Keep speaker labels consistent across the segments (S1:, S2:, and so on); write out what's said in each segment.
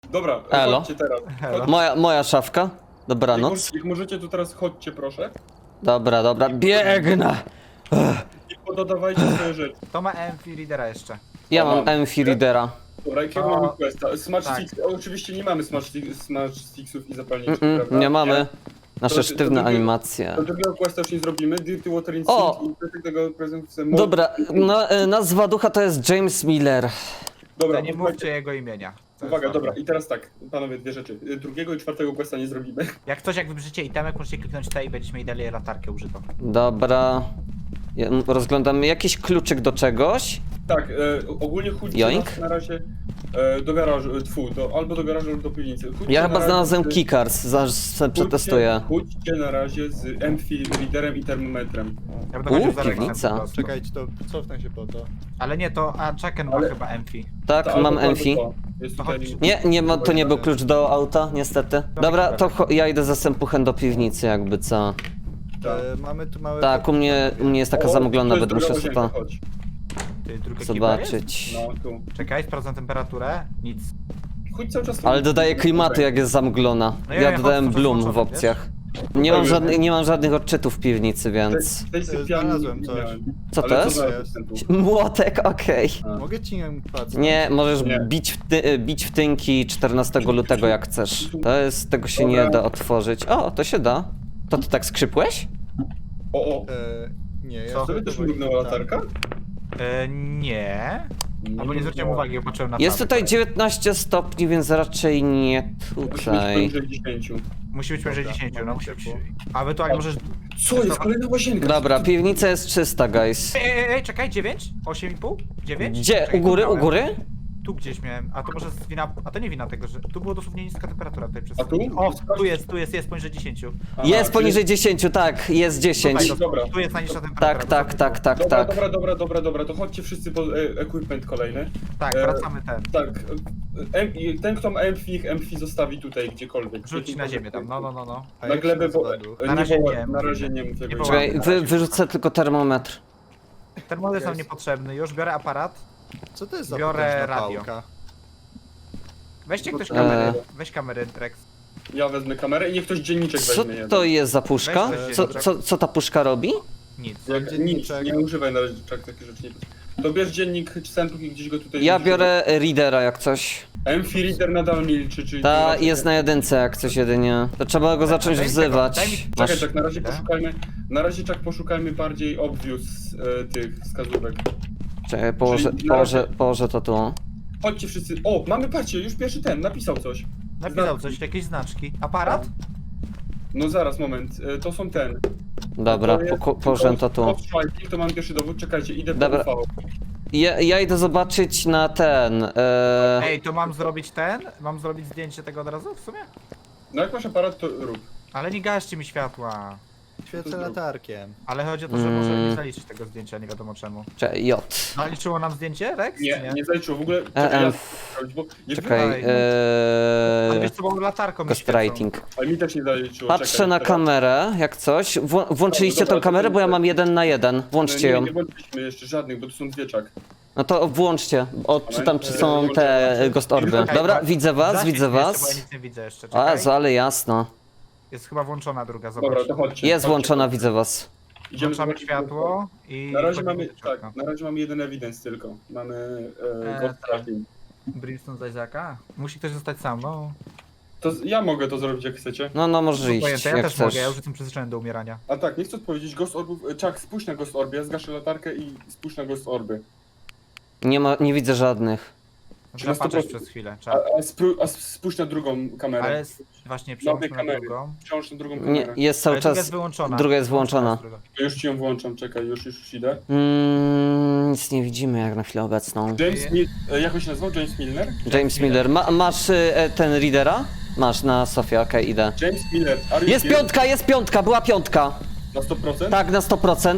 S1: Dobra,
S2: Elo.
S1: chodźcie teraz.
S3: Elo.
S2: Moja szafka. Dobranoc.
S1: Jak możecie, to teraz chodźcie, proszę.
S2: Dobra, biegnę.
S1: I pododawajcie swoje rzeczy.
S3: To ma EMF Readera jeszcze.
S2: Ja mam
S1: Mam.
S2: Enfi Readera.
S1: Dobra, jakiego
S3: O,
S1: mamy questa? Smart
S3: tak.
S1: Sticks. Oczywiście nie mamy Smart Sticksów i zapalniczek, prawda?
S2: Nie mamy. Nasze
S1: To
S2: sztywne
S1: drugiego-
S2: animacje.
S1: Do drugiego questa już nie zrobimy. Dirty Water in
S2: O!
S1: Sink i do tego prezentacja.
S2: Dobra, nazwa ducha to jest James Miller.
S1: Dobra,
S3: To nie mówcie jego imienia. To
S1: Uwaga,
S3: jest
S1: dobra,
S3: ważne.
S1: i teraz tak, panowie, dwie rzeczy. Drugiego i czwartego questa nie zrobimy.
S3: Jak coś, jak wybrzycie itemek, możecie kliknąć T i będziecie mieli dalej latarkę użytą.
S2: Dobra. Ja rozglądam jakiś kluczyk do czegoś.
S1: Tak, ogólnie chódźcie
S2: Joink.
S1: nas na razie do garażu, albo do garażu, albo do piwnicy. Chódźcie
S2: Ja
S1: na
S2: chyba
S1: razie
S2: znalazłem
S1: z-
S2: Keycards, zaraz przetestuję.
S1: Chódźcie na razie z Enfi Readerem i termometrem.
S3: Ja będę chodził za
S2: piwnica.
S3: Rexem po prostu.
S4: Czekajcie, to cofnę się po to.
S3: Ale nie, to Chucken ma
S1: Ale-
S3: chyba EMFI.
S2: Tak,
S1: To albo
S2: mam
S1: to, albo
S2: Enfi.
S1: to. Jest
S3: To
S1: tutaj...
S3: chodź.
S2: Nie ma, to nie był klucz do auta, niestety. Dobra, to ja idę ze Sempuchem do piwnicy, jakby co.
S1: Tak.
S4: Mamy tu małe...
S2: Tak, u mnie jest taka
S1: O,
S2: zamuglona,
S1: to jest
S2: będę musiał
S1: druga
S2: sobie
S1: łazienka,
S2: to
S1: chodź.
S3: Ty, druga kiba jest?
S2: zobaczyć.
S1: No, tu.
S3: Czekaj, sprawdzam temperaturę. Nic.
S1: Chodź cały czas...
S2: Ale dodaję klimatu, jak jest zamuglona.
S3: No
S2: Ja
S3: ja
S2: dodałem
S3: chodzę,
S2: bloom
S3: włączony,
S2: w opcjach. Nie mam żadnych odczytów w piwnicy, więc...
S1: W tej sypialni
S4: Znalazłem
S1: nie
S4: coś.
S1: miałem.
S2: Co
S1: Ale
S2: to jest?
S1: znalazłem ten tu?
S2: Młotek, okej.
S1: A.
S4: Mogę ci ją patrzeć?
S2: Nie, możesz
S1: Nie.
S2: bić w tynki 14 lutego jak chcesz. Tego się nie
S1: Dobra.
S2: da otworzyć. O, to się da. To ty tak skrzypłeś?
S1: O,
S4: Nie, ja
S3: Co?
S1: sobie też mrugnęła latarka?
S3: Nie. Albo nie zwróciłem uwagi, bo patrzyłem na
S2: Jest
S3: czat.
S2: tutaj 19 stopni, więc raczej nie
S1: Musi być
S2: tutaj.
S1: poniżej 10.
S3: Musi być poniżej
S4: Dobra,
S3: 10, no
S4: mamy
S3: musi być.
S4: ciepło.
S3: A ewentualnie możesz...
S1: Co jest? Kolejna łazienka!
S2: Dobra, piwnica jest czysta, guys.
S3: Ej, czekaj, 9? 8,5? 9?
S2: Gdzie?
S3: Czekaj,
S2: U góry,
S3: tu
S2: u
S3: miałem.
S2: góry?
S3: Tu gdzieś miałem, a to może z wina... A to nie wina tego, że... Tu było dosłownie niska temperatura tutaj przez...
S1: A tu?
S3: O, jest poniżej 10.
S1: Aha,
S2: Jest
S1: czyli-
S2: poniżej 10, tak, jest 10.
S3: Tutaj,
S1: Dobra.
S3: Tu jest najniższa temperatura.
S2: Tak.
S1: Dobra, to chodźcie wszyscy po equipment kolejny.
S3: Tak, wracamy ten.
S1: Tak, ten kto ma Emfi zostawi tutaj gdziekolwiek.
S3: Rzuć na ziemię tam, no.
S4: A
S1: Na
S4: jak się
S1: glebę, bo
S4: nazywa duch?
S3: Na razie nie.
S1: na razie nie mów tego.
S3: Nie
S2: Czekaj, wyrzucę tylko termometr.
S3: Termometr jest nam
S4: Jest.
S3: niepotrzebny, już biorę aparat.
S4: Co to jest za
S3: Biorę
S4: potężna
S3: radio.
S4: pałka?
S3: Weźcie ktoś
S2: Eee.
S3: kamerę, weź kamerę, Rex.
S1: Ja wezmę kamerę i niech ktoś dzienniczek
S2: Co
S1: weźmie.
S2: to jest za puszka?
S3: Weź
S2: Co ta puszka robi?
S3: Nic.
S1: Jak, nic,
S4: Dzienniczek.
S1: nie używaj na razie takich rzeczy. Nie. To bierz dziennik Centrum i gdzieś go tutaj...
S2: Ja biorę readera jak coś.
S1: Emfi Reader nadal milczy, czyli...
S2: Ta jest na jedynce jak coś jedynie. To trzeba go zacząć
S3: Daj mi
S2: wzywać.
S3: tego, daj mi-
S1: Czekaj,
S2: Masz...
S1: tak, na razie
S3: Chwilę.
S1: poszukajmy... Na razie tak poszukajmy bardziej obvious tych wskazówek.
S2: Czekaj,
S1: Czyli na razie-
S2: położę to tu.
S1: Chodźcie wszyscy... O, mamy, patrzcie, już pierwszy ten, napisał coś.
S3: Napisał coś, jakieś znaczki. Aparat?
S1: No zaraz, moment, to są ten.
S2: Dobra,
S1: To jest
S2: położę to tu.
S1: Ghostwriting, to mam pierwszy dowód, czekajcie, idę
S2: Dobra.
S1: po UV.
S2: Ja idę zobaczyć na ten.
S3: Ej, to mam zrobić ten? Mam zrobić zdjęcie tego od razu w sumie?
S1: No jak masz aparat, to rób.
S3: Ale nie gaście mi światła.
S4: Świecę latarkiem.
S3: Ale chodzi o to, że może nie zaliczyć tego zdjęcia, nie wiadomo czemu.
S2: Czekaj, J.
S3: Zaliczyło nam zdjęcie, Rex? czy
S1: Nie, nie zaliczyło w ogóle. Czekaj,
S2: EM.
S1: ja sprawdzić, bo nie
S2: Czekaj,
S3: Dalej, Ale wiesz co, bo latarką mi
S2: ghostwriting.
S1: Ale mi też nie zaliczyło.
S2: Patrzę
S1: czekaj,
S2: na
S1: teraz.
S2: kamerę, jak coś. Włączyliście
S1: Dobra,
S2: tą kamerę, bo ja mam 1 na 1. Włączcie
S1: Nie,
S2: ją.
S1: nie włączyliśmy jeszcze żadnych, bo tu są dwie czak.
S2: No to włączcie. Odczytam, czy są te ghost orby.
S3: Czekaj,
S2: Dobra,
S3: tak.
S2: widzę was, widzę
S3: Bo ja
S2: was.
S3: nic nie widzę jeszcze,
S2: A,
S3: czekaj.
S2: ale jasno.
S3: Jest chyba włączona druga, zobacz.
S1: Dobra, to chodźcie.
S2: Jest
S1: chodźcie.
S2: włączona, widzę was.
S1: Idziemy
S3: Włączamy
S1: zobaczyć,
S3: światło i...
S1: Na razie
S3: wchodzimy
S1: mamy,
S3: do środka.
S1: tak, na razie mamy jeden evidence tylko. Mamy ghost
S3: tak.
S1: tracking.
S3: Brimstone z Isaaca? Musi ktoś zostać sam, no.
S1: To ja mogę to zrobić jak chcecie.
S2: No może iść,
S3: Pojęte, ja
S2: jak
S3: też
S2: chcesz.
S3: mogę, ja już jestem przyzwyczajony do umierania.
S1: A tak, nie chcę odpowiedzieć, ghost orbów... Czak, spójrz na ghost orby, ja zgaszę latarkę i spójrz na ghost orby.
S2: Nie widzę żadnych.
S1: Czy na
S3: Trzeba patrzeć
S1: 100%?
S3: przez chwilę,
S1: A,
S3: czas.
S1: a spójrz na drugą kamerę.
S3: Ale właśnie
S1: Na obie
S3: przełączmy na
S1: kamery.
S3: drugą.
S1: Wciąż na drugą
S2: Nie,
S1: kamerę.
S2: jest cały
S3: Ale druga jest
S2: czas.
S3: wyłączona.
S2: Druga jest włączona.
S1: To już ci ją włączam, czekaj, już idę.
S2: Nic nie widzimy jak na chwilę obecną.
S1: James Mil... Jak on się nazywał? James Milner?
S2: James Miller, masz ten readera? Masz na Sofie, okej, idę.
S1: James Miller, are you
S2: Jest
S1: here?
S2: piątka, była piątka.
S1: Na 100%?
S2: Tak, na 100%.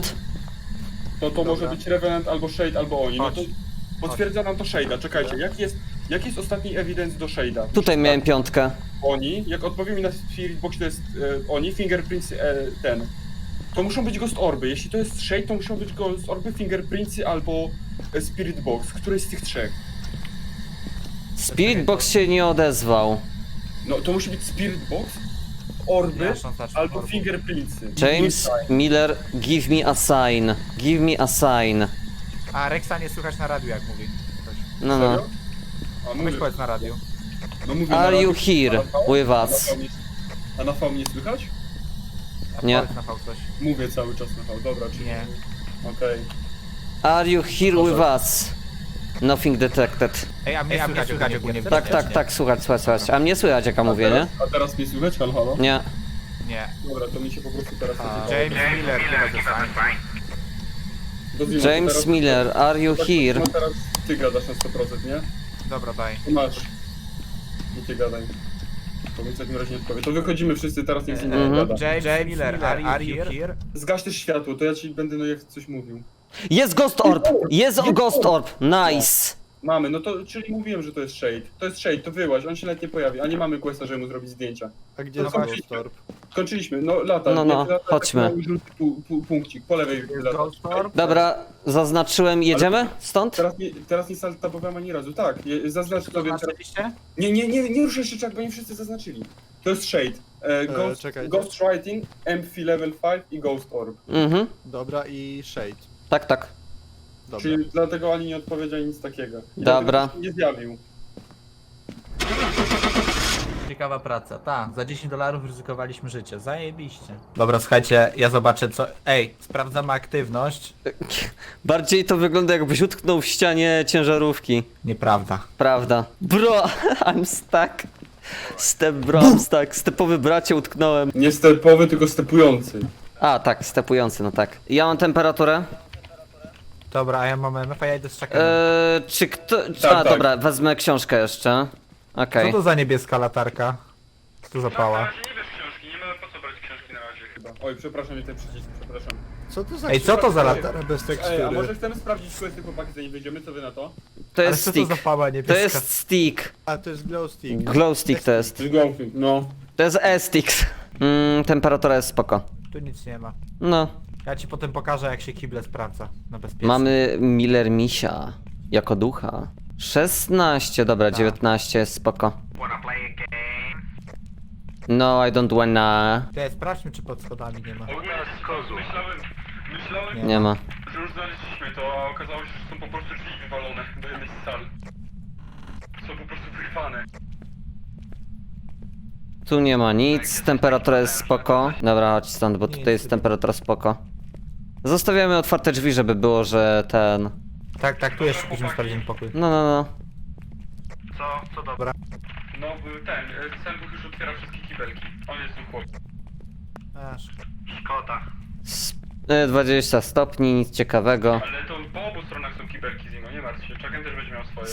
S1: To może być Revenant albo Shade albo oni. No to
S3: Chodź.
S1: potwierdza nam to Shade'a, czekajcie, jaki jest ostatni evidence do Shade'a?
S2: Tutaj miałem piątkę.
S1: Oni, jak odpowie mi na Spirit Box, to jest oni, Fingerprints ten. To muszą być Ghost Orby, jeśli to jest Shade, to muszą być Ghost Orby, Fingerprintsy albo Spirit Box, któryś z tych trzech.
S2: Spirit Box się nie odezwał.
S1: No to musi być Spirit Box, orby,
S3: Ja szans zacząć
S1: albo
S3: orbów.
S1: fingerprintsy.
S2: James Miller, give me a sign. Give me a sign.
S3: A Rexa nie słychać na radiu, jak mówi. Ktoś.
S2: No, no.
S1: Serio? A
S3: Weź
S1: mówię,
S3: powiedz na radiu.
S1: no mówię
S2: Are
S1: na
S2: you
S1: radiu.
S2: here
S1: A na V?
S2: with us?
S1: A na V mnie słychać?
S3: A
S2: Nie.
S3: powiedz na V coś.
S1: Mówię cały czas na V, dobra, czyli...
S3: Nie.
S1: Okej.
S2: Are you here with us? Nothing detected.
S3: Ej, a mnie słychać ogólnie w
S2: Tak,
S3: gierce,
S2: tak,
S3: czy
S2: tak, słuchać. A mnie słychać jak ja mówię, nie?
S1: A teraz mnie słychać? Halo, halo?
S2: Nie.
S3: Nie.
S1: Dobra, to mi się po prostu teraz...
S3: James Miller chyba zostanie.
S1: Dozwijmy to
S2: James
S1: teraz.
S2: Miller, are you here?
S1: No teraz ty gadasz na 100%, nie?
S3: Dobra, daj.
S1: To masz. Nie ty gadaj. To mi w takim razie nie odpowie. To wychodzimy wszyscy, teraz niech z innym
S2: Mhm.
S1: gada.
S3: James Miller, are you here?
S1: Zgaś też światło, to ja ci będę no jak coś mówił.
S2: Jest Ghost Orb! Jest Ghost Orb! Nice!
S1: Mamy, no to, czyli mówiłem, że to jest Shade. To jest Shade, to wyłaź, on się nawet nie pojawi, a nie mamy questa, żeby mu zrobić zdjęcia.
S4: A gdzie
S1: No
S4: jest
S1: właśnie.
S4: Ghost Orb?
S1: Skończyliśmy, no lata.
S2: No, no,
S1: lata,
S2: chodźmy.
S1: taki mały żółty punkcik, po lewej lata.
S3: Ghost Orb?
S2: Dobra, zaznaczyłem, jedziemy stąd?
S1: Teraz nie saltabowałem ani razu, tak, zaznacz sobie teraz.
S3: Zaznaczyliście?
S1: Nie ruszaj się czak, bo nie wszyscy zaznaczyli. To jest Shade.
S4: Czekajcie.
S1: Ghost Writing, MP Level 5 i Ghost Orb.
S2: Mhm,
S4: Dobra i Shade.
S2: tak, tak.
S4: Dobra.
S1: Czyli dlatego ani nie odpowiedział nic takiego. I
S2: Dobra.
S1: dlatego się nie zjawił.
S3: Ciekawa praca. Tak, za $10 ryzykowaliśmy życie. Zajebiście. Dobra, słuchajcie, ja zobaczę co... Ej, sprawdzamy aktywność.
S2: Bardziej to wygląda jakbyś utknął w ścianie ciężarówki.
S3: Nieprawda.
S2: Prawda. Bro, I'm stuck. Step bro, I'm stuck. Stepowy bracie utknąłem.
S1: Nie stepowy, tylko stepujący.
S2: A, tak, stepujący, no tak. Ja mam temperaturę.
S3: Dobra, a ja mam MF, a ja idę z czakiem.
S2: Czy kto...
S1: Tak.
S2: Dobra, wezmę książkę jeszcze. Okej.
S3: Co to za niebieska latarka? Tu zapała.
S1: nie bierz książki, nie ma po co brać książki na razie chyba. Oj, przepraszam, nie ten przycisk, przepraszam.
S4: Co to za
S3: Ej, co to za
S4: książka
S3: latar-
S4: bez
S1: Ej, a
S4: tekstury?
S1: może chcemy sprawdzić questy chłopaki, zanim wyjdziemy, co wy na to?
S2: To
S3: Ale
S2: jest
S3: co to za
S2: stick.
S3: pała
S2: To
S3: niebieska?
S2: jest stick.
S4: A, to jest glow stick.
S2: Glow stick to jest.
S1: Czyli Glowfing, no.
S2: To jest E-stick. Temperatura jest spoko.
S3: Tu nic nie ma.
S2: No.
S3: Ja ci potem pokażę jak się kible sprawdza. Na bezpiecznie.
S2: Mamy Miller Misia. Jako ducha. 16, dobra,
S3: Tak.
S2: 19 jest spoko. No, I don't wanna.
S3: Ty, sprawdźmy czy pod schodami nie ma.
S1: Myślałem,
S2: Nie ma.
S1: że już znaleźliśmy to, a okazało się, że są po prostu drzwi wywalone do jednej z sal. Są po prostu wyrwane.
S2: Tu nie ma nic, temperatura jest spoko. Dobra, chodź stąd, bo tutaj jest temperatura spoko. Zostawiamy otwarte drzwi, żeby było, że ten...
S3: Tak, tak, tu jeszcze później sprawdzimy pokój.
S2: No.
S3: Co dobra.
S1: No, ten Buch już otwiera wszystkie kibelki. On jest tu chłop.
S3: Aż.
S2: 20 stopni, nic ciekawego.
S1: Ale to po obu stronach są kibelki Zimo, nie martw się. Chucken też będzie miał swoje.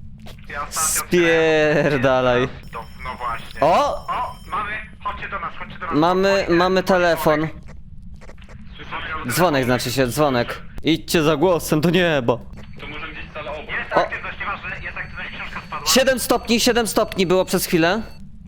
S2: Spierdalaj.
S5: No właśnie.
S2: O!
S5: O, chodźcie do nas.
S2: Mamy telefon. Dzwonek znaczy się, dzwonek. Idźcie za głosem do nieba.
S1: To może gdzieś sala obok.
S5: Jest
S2: O.
S5: aktywność, nieważne, jest aktywność, książka spadła.
S2: 7 stopni było przez chwilę.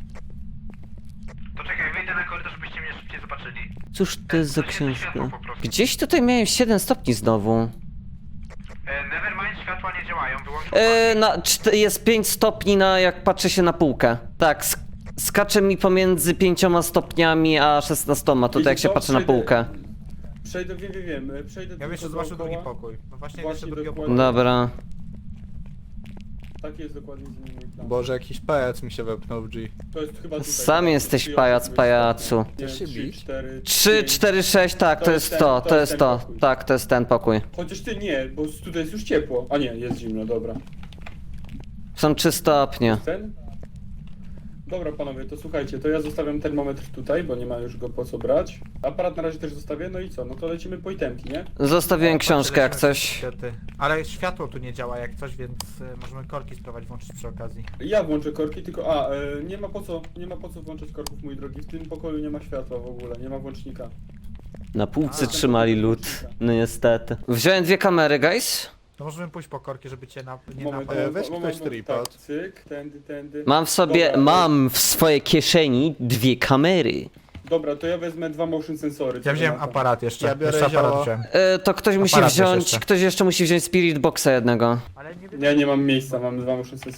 S5: To czekaj, wyjdę na korytarz, żebyście mnie szybciej zobaczyli.
S2: Cóż to jest za książka? Gdzieś tutaj miałem 7 stopni znowu.
S5: Nevermind, światła nie działają, wyłączył
S2: Jest 5 stopni na jak patrzę się na półkę. Tak, skacze mi pomiędzy 5 stopniami a 16, tutaj jak się patrzy na półkę.
S1: Przejdę, wiem. Przejdę
S3: Ja bym jeszcze
S1: tylko
S3: zobaczył drugi
S1: dookoła.
S3: pokój. No właśnie,
S1: Właśnie
S3: jeszcze drugiego
S1: dokładnie.
S3: pokoju.
S2: Dobra.
S1: Taki jest dokładnie z nim mój plan.
S4: Boże, jakiś pajac mi się wepnął w G.
S1: To jest chyba tutaj.
S2: Sam jesteś pajac, pajacu.
S4: Chcesz się bić?
S2: 3, 4, 6, tak, to jest to, to jest to. Tak, to jest ten pokój.
S1: Chociaż ty nie, bo tutaj jest już ciepło. A nie, jest zimno, dobra.
S2: Są 3 stopnie.
S1: Ten? Dobra panowie, to słuchajcie, to ja zostawiam termometr tutaj, bo nie ma już go po co brać. Aparat na razie też zostawię, no i co? No to lecimy po itemki, nie?
S2: Zostawiłem książkę jak
S3: Patrzę,
S2: coś.
S3: niestety. Ale światło tu nie działa jak coś, więc możemy korki spróbować włączyć przy okazji.
S1: Ja włączę korki, tylko nie ma po co włączać korków, mój drogi. W tym pokoju nie ma światła w ogóle, nie ma włącznika.
S2: Na półce trzymali lód. No niestety. Wziąłem 2 kamery, guys.
S3: To możemy pójść po korki, żeby cię nie
S1: Moment,
S3: napadł.
S4: weź ktoś tripod.
S1: Tak, cyk, tędy.
S2: Mam
S1: Dobra,
S2: w swojej kieszeni 2 kamery.
S1: Dobra, to ja wezmę 2 motion sensory.
S3: Ja wziąłem aparat jeszcze.
S4: Ja biorę
S3: jeszcze aparat
S4: zioło.
S3: wziąłem.
S2: To ktoś musi
S3: Aparat też
S2: wziąć,
S3: jeszcze.
S2: ktoś jeszcze musi wziąć Spirit Boxa jednego.
S3: Ale nie
S1: Ja nie mam miejsca, mam 2 motion sensory.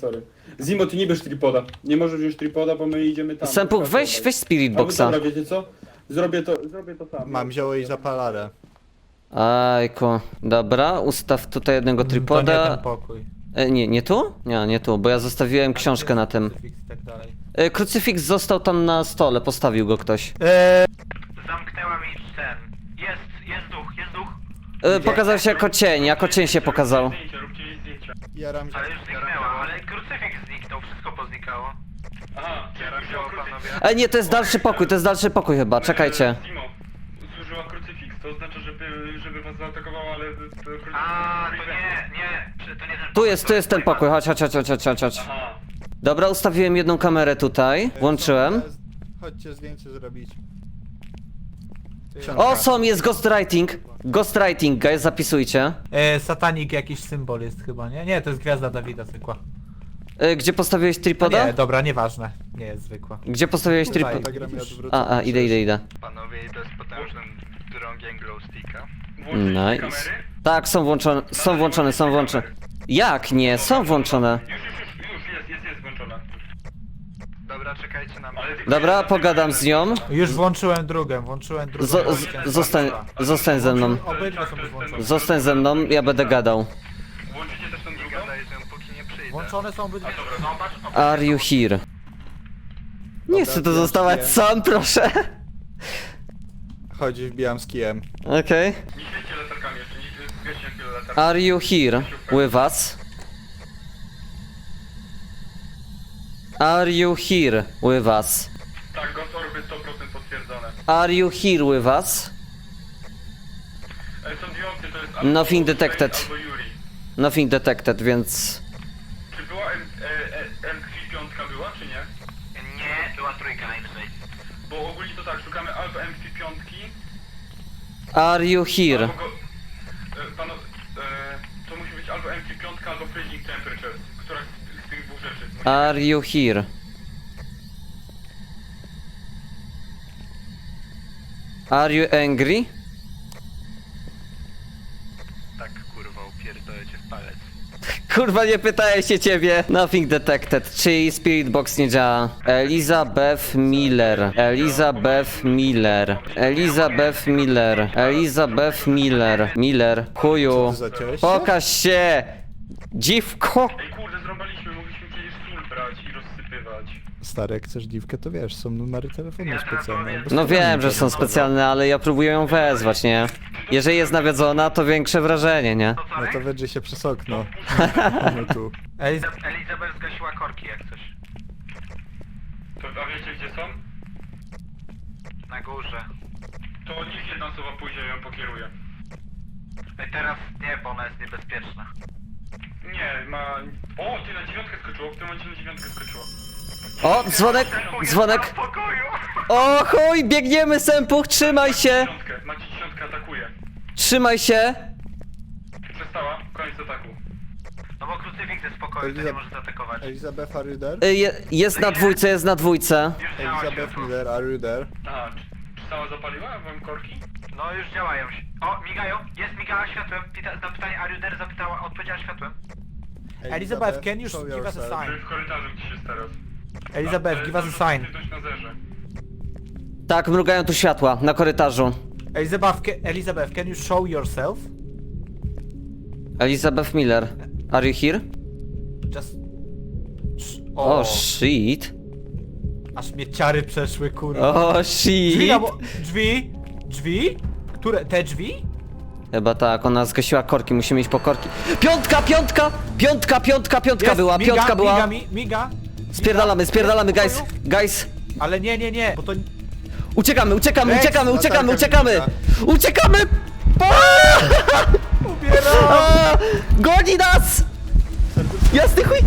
S1: Zimo, ty nie bierz tripoda. Nie możesz wziąć tripoda, bo my idziemy tam.
S2: Sempuch, weź Spirit
S1: Albo
S2: Boxa.
S1: dobra, wiecie co? Zrobię to sam.
S4: Mam zioło i zapalarę.
S2: Ajku. Dobra, ustaw tutaj jednego
S3: To nie
S2: tripoda.
S3: ten pokój.
S2: Nie tu? Nie tu, bo ja zostawiłem książkę na tym.
S3: Krucyfiks i tak dalej.
S2: Krucyfiks został tam na stole, postawił go ktoś.
S5: Zamknęła mi ten. Jest duch.
S2: Pokazał się jako cień się pokazał.
S1: Zdjęcia, róbcie jej zdjęcia.
S4: Jaram
S5: Ale już zniknęła, ale krucyfiks zniknął, wszystko poznikało.
S1: Aha,
S5: Teraz
S1: zużyła
S5: panowie.
S1: krucyfiks.
S2: Nie, to jest dalszy pokój chyba, czekajcie.
S1: Zimo, zużyła krucyfiks, to oznacza, żeby was zaatakowała, ale...
S5: A, to nie, to nie ten
S2: Tu jest ten pokój, chodź.
S1: Aha.
S2: Dobra, ustawiłem jedną kamerę tutaj, włączyłem.
S4: Chodźcie zdjęcie zrobić.
S2: O, jest ghostwriting. Ghostwriting, guys, zapisujcie.
S3: Satanik jakiś symbol jest chyba, nie? Nie, to jest gwiazda Dawida zwykła.
S2: Gdzie postawiłeś
S3: No
S2: tripoda?
S3: nie, dobra, nieważne. Nie jest zwykła.
S2: Gdzie postawiłeś tripoda?
S4: Pentagram ja odwrócę.
S2: Idę.
S5: Panowie, to jest potężnym drągiem glowsticka.
S2: Nice. Tak, są włączone. Jak nie? Są włączone.
S1: Już jest włączona.
S5: Dobra, czekajcie na mnie.
S2: Dobra, pogadam z nią.
S3: Już włączyłem drugą.
S2: Zostań ze mną.
S3: Obydwa są już włączone.
S2: Zostań ze mną, ja będę gadał.
S1: Włączycie też tą drugą?
S5: Gadaj, że póki nie przyjdę.
S3: Włączone są obydwa.
S1: Zobacz,
S2: Are you here? Nie chcę tu zostawać sam, proszę.
S4: Chodzi, wbijam z kijem.
S2: Okej.
S1: nie świećcie latarkami jeszcze, nie świećcie chwilę latarkami.
S2: Are you here with us? Are you here with us?
S1: Tak, Ghost Orby 100% potwierdzone.
S2: Are you here with us?
S1: Są dwie opcje, to jest
S2: Nothing
S1: albo
S2: detected.
S1: Shane, albo Yuri.
S2: Nothing detected, więc...
S1: Czy była MQ5 była, czy nie?
S5: Nie, była trójka najwyżej.
S1: Bo ogólnie to tak, szukamy albo MQ5,
S2: Are you here?
S1: albo go... to musi być albo MQ5, albo freezing temperature. Która z tych dwóch rzeczy?
S2: Are you here? Are you angry?
S5: Tak, kurwa, upierdolę cię w palec.
S2: Kurwa, nie pytałem się ciebie. Nothing detected. Czyli Spirit Box nie działa. Elizabeth Miller. Miller. Kuju.
S4: Co ty zaciąłeś?
S2: Pokaż się! Dziwko!
S1: Ej kurde, zrąbaliśmy, mogliśmy przecież sól brać i rozsypywać.
S4: Stary, jak chcesz dziwkę, to wiesz, są numery telefonu specjalne.
S2: No wiem, że są specjalne, ale ja próbuję ją wezwać, nie? Jeżeli jest nawiedzona, to większe wrażenie, nie?
S5: To co
S4: No
S5: wy?
S4: to wedrzyj się przez okno. No tu.
S5: Elizabeth zgasiła korki jak coś.
S1: To, a wiecie gdzie są?
S5: Na górze.
S1: To niech jedna osoba pójdzie i ją pokieruje.
S5: Ej, teraz nie, bo ona jest niebezpieczna.
S1: Nie, ma... O, ty na 9 skoczyło, w tym momencie na 9 skoczyło.
S2: O, dzwonek!
S5: W pokoju!
S2: O chuj, biegniemy, Sempuch, trzymaj się!
S1: Macie 10 atakuje.
S2: Trzymaj się!
S1: Przestała, koniec ataku.
S5: No bo krucyfiks jest w pokoju, to nie może zaatakować.
S4: Elizabeth, are you there?
S2: Jest na dwójce.
S5: Już działa
S4: Elizabeth
S5: światło.
S4: Miller, are you there?
S1: A, czy cała zapaliła wam korki?
S5: No już działają się. O, migają. Jest, migała światłem. Na pytanie are you there zapytała, odpowiedziała światłem.
S3: Elizabeth, can you
S4: show
S3: give us a
S4: yourself.
S3: sign?
S1: Czy w korytarzu gdzieś jest teraz?
S3: Elizabeth, give us a sign.
S1: Aktywność na zerze.
S2: Tak, mrugają tu światła na korytarzu.
S3: Elizabeth, can you show yourself?
S2: Elizabeth Miller. Are you here?
S3: Just...
S2: O, shit.
S3: Aż mnie ciary przeszły, kurwa.
S2: O,
S3: Drzwi,
S2: shit.
S3: albo... Drzwi? Które? Te drzwi?
S2: Chyba tak, ona zgasiła korki, musimy iść po korki. Piątka
S3: Jest,
S2: była,
S3: miga,
S2: piątka była.
S3: Miga.
S2: Spierdalamy, guys.
S3: Ale nie, bo to...
S2: Uciekamy!
S4: latarka
S2: Uciekamy!
S3: Ubieram!
S2: A, goni nas! Jasny chuj!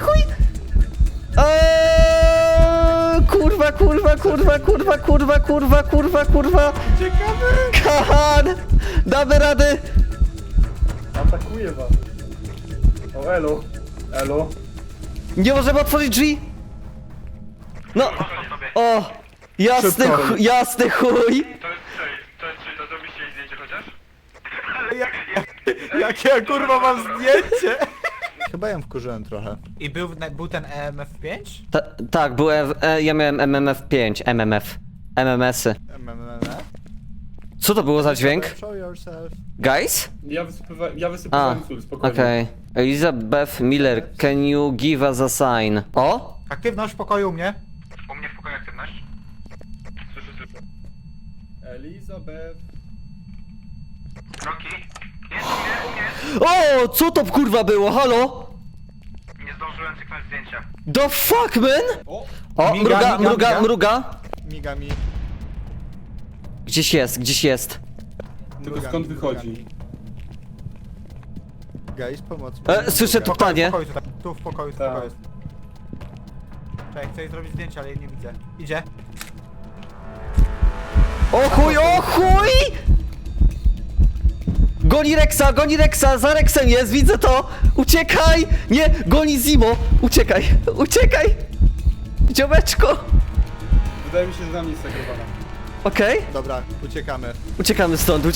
S2: Kurwa!
S3: Uciekamy!
S2: Kahan! Damy rady!
S1: Atakuje was. O, elo. Elo.
S2: Nie możemy otworzyć drzwi! No!
S5: sobie.
S2: O! Jasny chuj!
S1: To jest Shade, to zrobiście jej zdjęcie chociaż?
S3: Jakie ja kurwa mam zdjęcie?
S4: Chyba ją wkurzyłem trochę.
S3: I był ten EMF5?
S2: Tak, ja miałem MMF5, MMS-y. Co to było za dźwięk?
S4: Show yourself.
S2: Guys?
S1: Ja wysypywałem sól, spokojnie.
S2: Okej. Elizabeth Miller, can you give us a sign? O?
S3: Aktywność w pokoju u mnie.
S5: U mnie w pokoju aktywność.
S1: Słyszę. Elizabeth.
S5: Rocky. Jest u mnie.
S2: O, co to kurwa było? Halo?
S5: Nie zdążyłem cyknąć zdjęcia.
S2: The fuck, man?
S1: O!
S2: O,
S3: Miga,
S2: mruga.
S4: Miga mi.
S2: Gdzieś jest.
S1: Tylko
S4: Mruga
S1: skąd
S4: mi,
S1: wychodzi?
S4: mruga mi. Guys, pomoc.
S2: Słyszę tu panie.
S3: W pokoju tutaj. Tu w pokoju,
S1: Tak.
S3: jest. Czekaj, chcę jej zrobić zdjęcie, ale jej nie widzę. Idzie.
S2: O chuj! Goni Rexa, za Rexem jest, widzę to! Uciekaj! Nie, goni Zimo! Uciekaj! Dziomeczko!
S1: Wydaje mi się, że na mnie jest zagrowana.
S2: Okej,
S4: Dobra, uciekamy.
S2: uciekamy stąd.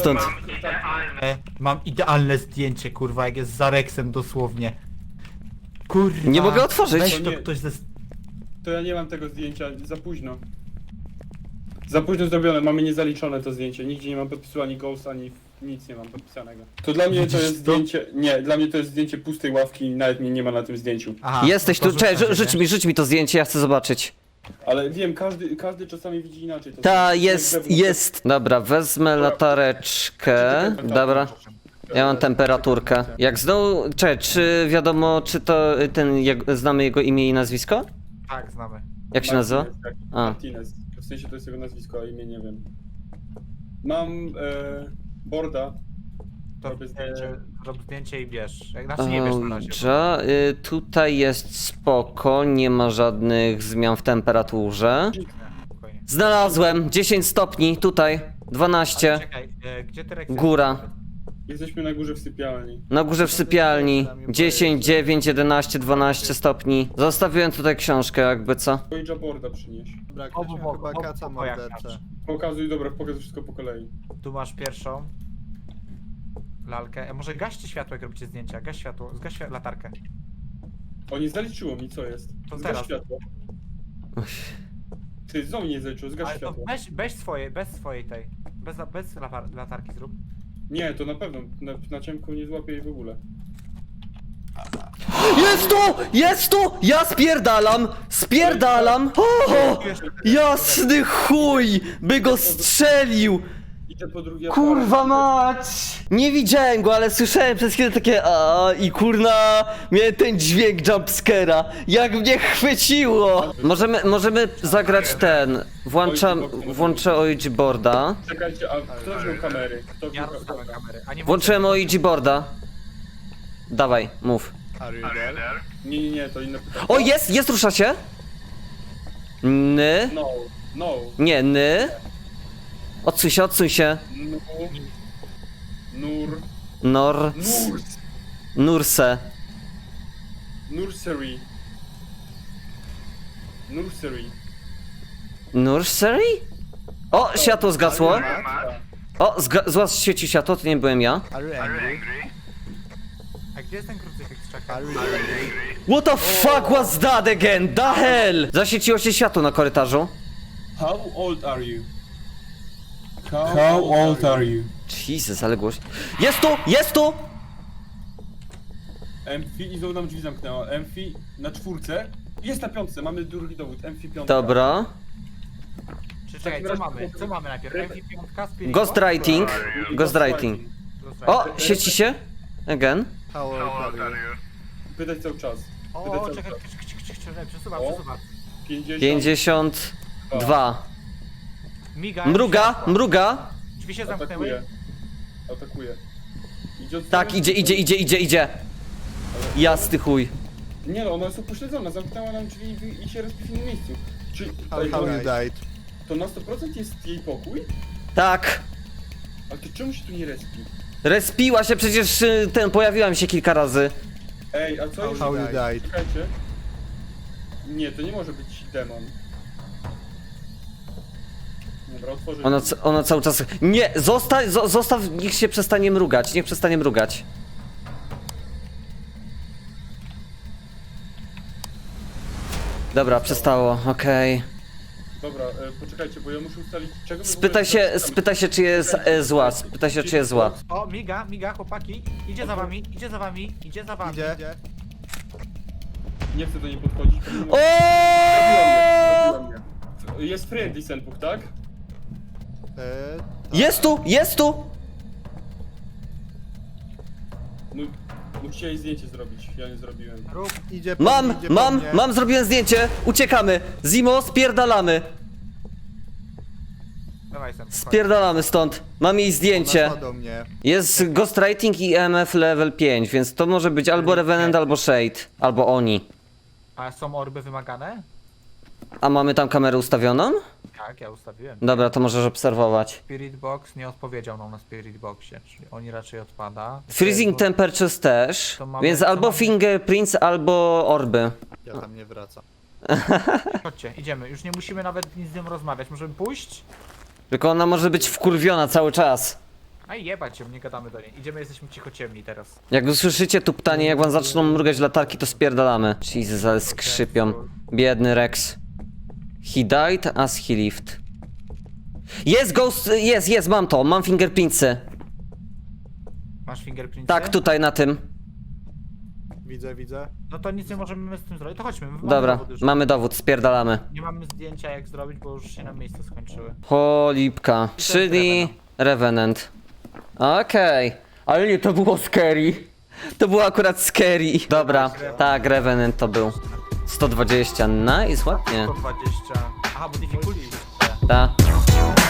S3: Mam idealne zdjęcie, kurwa, jak jest za Rexem dosłownie. Kurwa.
S2: Nie mogę otworzyć.
S3: Weź
S1: To
S3: to
S1: nie-
S3: ktoś ze...
S1: To ja nie mam tego zdjęcia, za późno. Za późno zrobione, mamy niezaliczone to zdjęcie. Nigdzie nie mam podpisu ani Ghost, ani nic nie mam podpisanego. To dla mnie to
S3: Widzisz
S1: jest
S3: to?
S1: zdjęcie. Nie, dla mnie to jest zdjęcie pustej ławki i nawet mnie nie ma na tym zdjęciu.
S3: Aha,
S2: Jesteś
S3: to
S2: tu,
S3: rzucam
S2: czekaj,
S3: się, nie?
S2: rzuć mi to zdjęcie, ja chcę zobaczyć.
S1: Ale wiem, każdy czasami widzi inaczej. To
S2: Ta,
S1: zdjęcie.
S2: jest. Dobra, wezmę latareczkę. Dobra, ja mam temperaturkę. Jak znowu, czekaj, czy wiadomo, czy to znamy jego imię i nazwisko?
S3: Tak, znamy.
S2: Jak się nazywa?
S1: Martinez, tak.
S2: A.
S1: Martinez. W sensie to jest jego nazwisko, a imię nie wiem. Mam Borda.
S3: To
S1: Robię zdjęcie.
S3: rób zdjęcie i bierz. Znaczy nie bierz na razie.
S2: Dobrze, tutaj jest spoko, nie ma żadnych zmian w temperaturze.
S3: Spokojnie.
S2: Znalazłem 10 stopni, tutaj, 12,
S3: Czekaj, gdzie ty Rex?
S2: góra.
S1: Jesteśmy na górze w sypialni.
S2: Na górze w sypialni, 10, 9, 11, 12 stopni. Zostawiłem tutaj książkę, jakby co.
S1: Pojęcia Borda przynieś.
S4: Dobra,
S3: Obu
S4: ktoś
S3: bok-
S4: chyba
S3: obu
S4: kaca
S3: pokojach
S4: mordercę.
S3: masz.
S1: Pokazuj, dobra, pokazuj wszystko po kolei.
S3: Tu masz pierwszą lalkę. Może gaście światło, jak robicie zdjęcia. Gaś światło, zgaś latarkę.
S1: O, nie zaliczyło mi, co jest.
S3: To
S1: Zgaś
S3: teraz.
S1: światło. Ty, znowu nie zaliczyło, zgaś
S3: Ale to
S1: światło.
S3: bez swojej tej. Bez latarki zrób.
S1: Nie, to na pewno, na ciemku nie złapię jej w ogóle.
S2: Jest tu! Ja spierdalam! O, jasny chuj! By go strzelił!
S1: Idę po drugie
S2: Kurwa mać! Nie widziałem go, ale słyszałem przez chwilę takie i kurna, miałem ten dźwięk jumpscare'a. Jak mnie chwyciło! Możemy zagrać ten. Włączę OIG boarda.
S1: Czekajcie, a kto wziął kamery? Kto
S3: Ja
S1: wziął
S3: rozstałem kamery. A nie
S2: Włączyłem OIG boarda. Dawaj, mów.
S4: Are you there?
S1: Nie, to inne pytanie.
S2: O, jest, rusza się! Ny?
S1: No.
S2: Nie, ny? Odsuń się.
S1: Nur.
S2: Nurse.
S1: Nursery.
S2: Nursery? O, światło zgasło.
S1: Matka.
S2: O, świeci światło, to nie byłem ja.
S4: Are you angry?
S3: A gdzie jest ten krucyfiks? Czekaj.
S4: Are you angry?
S2: What the fuck was that again? The hell! Zaświeciło się światło na korytarzu.
S1: How old are you? How old are you?
S2: Jesus, ale głośno. Jest tu!
S1: Emfi i znowu nam drzwi zamknęła. Emfi na 4. Jest na 5, mamy drugi dowód. Emfi 5.
S2: Dobra.
S3: Czekaj, co mamy? Co mamy najpierw? MP5, Spirit
S2: Ghostwriting. O, świeci się. Again.
S4: How old are you?
S1: Pytać cały czas.
S3: O, czekaj, przesuwam.
S2: 52.
S3: Miga.
S2: Mruga.
S3: Drzwi się zamknęły.
S1: Atakuje. Idzie od
S2: Tak,
S1: strony-
S2: idzie. Jasny chuj.
S1: Nie no, ona jest upośledzona, zamknęła nam drzwi i się respi w innym miejscu. Czy
S4: How you died?
S1: to na 100% jest jej pokój?
S2: Tak.
S1: Ale to czemu się tu nie respi?
S2: Respiła się, przecież pojawiła mi się kilka razy.
S1: Ej, a co
S4: How
S1: jeśli...
S4: you died?
S1: Czekajcie. Nie, to nie może być demon. Dobra, otworzę.
S2: Ona cały czas... Nie, zostaw, niech się przestanie mrugać, Dobra, przestało, okej.
S1: Dobra, poczekajcie, bo ja muszę ustalić czego... wy w
S2: Spytaj
S1: ogóle
S2: się, spytaj się, czy jest zła, spytaj się, czy jest zła.
S3: O, miga, chłopaki. Idzie za wami, idzie za wami, idzie za wami.
S4: Idzie.
S1: Nie chcę do niej podchodzić, pomimo...
S2: O!
S1: Zabiła mnie. Jest friendly Senpuk, tak?
S2: Jest tu, jest tu!
S1: No, musicie jej zdjęcie zrobić, ja nie zrobiłem.
S3: Rób.
S4: Idzie po mnie, idzie po mnie.
S2: Mam, zrobiłem zdjęcie, uciekamy. Zimo, spierdalamy.
S3: Dawaj sen.
S2: Spierdalamy stąd. Mam jej zdjęcie.
S4: Ona do mnie.
S2: Jest Ghostwriting i EMF level 5, więc to może być albo Revenant, albo Shade. Albo oni.
S3: A są orby wymagane?
S2: A mamy tam kamerę ustawioną?
S3: Tak, ja ustawiłem.
S2: Dobra, to możesz obserwować.
S3: Spirit Box nie odpowiedział nam na Spirit Boxie, czyli oni raczej odpada.
S2: Freezing Temperatures też,
S3: To mamy-
S2: więc
S3: to
S2: albo
S3: mamy-
S2: fingerprints, albo orby.
S4: Ja tam nie wracam.
S3: Chodźcie, idziemy. Już nie musimy nawet nic z nią rozmawiać. Możemy pójść?
S2: Tylko ona może być wkurwiona cały czas.
S3: A jebać się, nie gadamy do niej. Idziemy, jesteśmy cichociemni teraz.
S2: Jak usłyszycie tu pytanie, jak wam zaczną mrugać latarki, to spierdalamy. Jesus, ale skrzypią. Biedny Rex. He died as he lived. Jest ghost, jest, mam to, mam fingerprintsy.
S3: Masz fingerprinty?
S2: Tak, tutaj na tym.
S4: Widzę.
S3: No to nic nie możemy z tym zrobić. To chodźmy. Mamy
S2: Dobra,
S3: dowód już.
S2: mamy dowód, spierdalamy.
S3: Nie mamy zdjęcia jak zrobić, bo już się nam miejsca skończyły.
S2: Cholipka. Czyli Revenant. Okej. Ale nie, to było scary. To było akurat scary. Dobra, tak, Revenant to był. 120, nice, ładnie.
S3: 120. Aha, bo difficulty.
S2: Ta.